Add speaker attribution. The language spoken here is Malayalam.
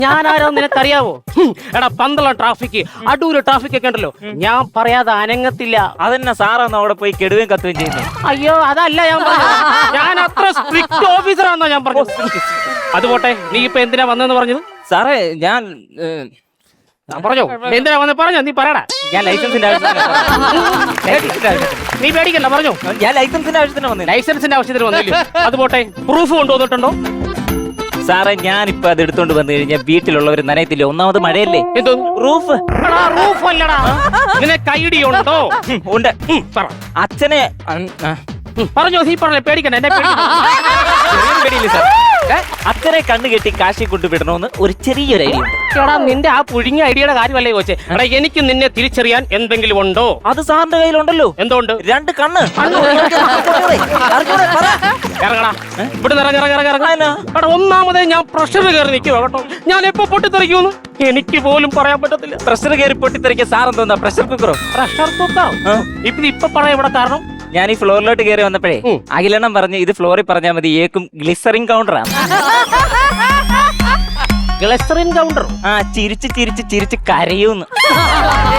Speaker 1: ഞാനാരോ നിനക്കറിയാവോ? എടാ പന്തളം ട്രാഫിക്, അടൂര് ട്രാഫിക് ഒക്കെ ഉണ്ടല്ലോ, ഞാൻ പറയാതെ അനങ്ങത്തില്ല.
Speaker 2: അതെന്നാ സാറാന്ന് അവിടെ പോയി കെടുകയും കത്തുകയും ചെയ്യുന്നത്?
Speaker 1: അയ്യോ അതല്ല ഞാൻ പറഞ്ഞത്, ഞാൻ അത്ര സ്ട്രിക്റ്റ് ഓഫീസറാണെന്നാ ഞാൻ പറഞ്ഞത്. അതുപോട്ടെ, നീ ഇപ്പൊ എന്തിനാ വന്നെന്ന് പറഞ്ഞത്?
Speaker 2: സാറേ ഞാൻ
Speaker 1: പറഞ്ഞോ, എന്തിനാ വന്ന് പറഞ്ഞോ, നീ പറയടാ.
Speaker 2: ഞാൻ ലൈസൻസിന്റെ
Speaker 1: നീ പേടിക്കണ്ട, പറഞ്ഞോ.
Speaker 2: ഞാൻ ലൈസൻസിന്റെ ആവശ്യത്തിന് വന്നു.
Speaker 1: ലൈസൻസിന്റെ ആവശ്യത്തിന് വന്നില്ലേ? അതുപോട്ടെ, പ്രൂഫ് കൊണ്ടുവന്നിട്ടുണ്ടോ?
Speaker 2: സാറേ ഞാനിപ്പോ അത് എടുത്തോണ്ട് വന്നു കഴിഞ്ഞാൽ വീട്ടിലുള്ളവർ നനയത്തില്ല. ഒന്നാമത് മഴയല്ലേ.
Speaker 1: എന്തോ
Speaker 2: റൂഫ്?
Speaker 1: റൂഫ് അല്ലടാ. നിനക്ക് ഐഡിയ ഉണ്ടോ?
Speaker 2: ഉണ്ട്.
Speaker 1: പറ.
Speaker 2: അച്ഛനെ
Speaker 1: പറഞ്ഞോ, നീ പറഞ്ഞേ, പേടിക്കണ്ട, എന്നെ
Speaker 2: പേടിയില്ല സാർ. അച്ഛനെ കണ്ണു കെട്ടി കാശി കൊണ്ടുവിടണമെന്ന് ഒരു ചെറിയൊരു ഐഡിയ ഉണ്ട്.
Speaker 1: എടാ നിന്റെ ആ പുഴുങ്ങിയ ഐഡിയയുടെ കാര്യമല്ലേ ചോദിച്ചേ? എടാ എനിക്ക് നിന്നെ തിരിച്ചറിയാൻ എന്തെങ്കിലും ഉണ്ടോ?
Speaker 2: അത് സാറിന്റെ കയ്യിലുണ്ടല്ലോ.
Speaker 1: എന്തുകൊണ്ട്?
Speaker 2: 2 കണ്ണ്.
Speaker 1: ഇറങ്ങടാ ഇവിടെ ഇറങ്ങടാ. ഒന്നാമതേ ഞാൻ പ്രഷർ കയറി നിൽക്കുക കേട്ടോ. ഞാൻ എപ്പോ പൊട്ടിത്തെറിക്കുമെന്ന് എനിക്ക് പോലും പറയാൻ പറ്റത്തില്ല.
Speaker 2: പ്രഷർ കയറി പൊട്ടിത്തെറിക്കുക സാർ എന്തോന്നാ പ്രഷർ കുക്കറോ?
Speaker 1: പ്രഷർ കുക്കറോ? ഇപ്പൊ പറയാം ഇവിടെ കാരണം.
Speaker 2: ഞാൻ ഈ ഫ്ലോറിലോട്ട് കയറി വന്നപ്പോഴേ അഖിലെണ്ണം പറഞ്ഞു ഇത് ഫ്ലോറിൽ പറഞ്ഞാൽ മതി, ഏക്കും ഗ്ലിസറിൻ കൗണ്ടറാണ്.
Speaker 1: Glycerine counter?
Speaker 2: ചിരിച്ച് ചിരിച്ച് ചിരിച്ച് കരയൂന്ന്.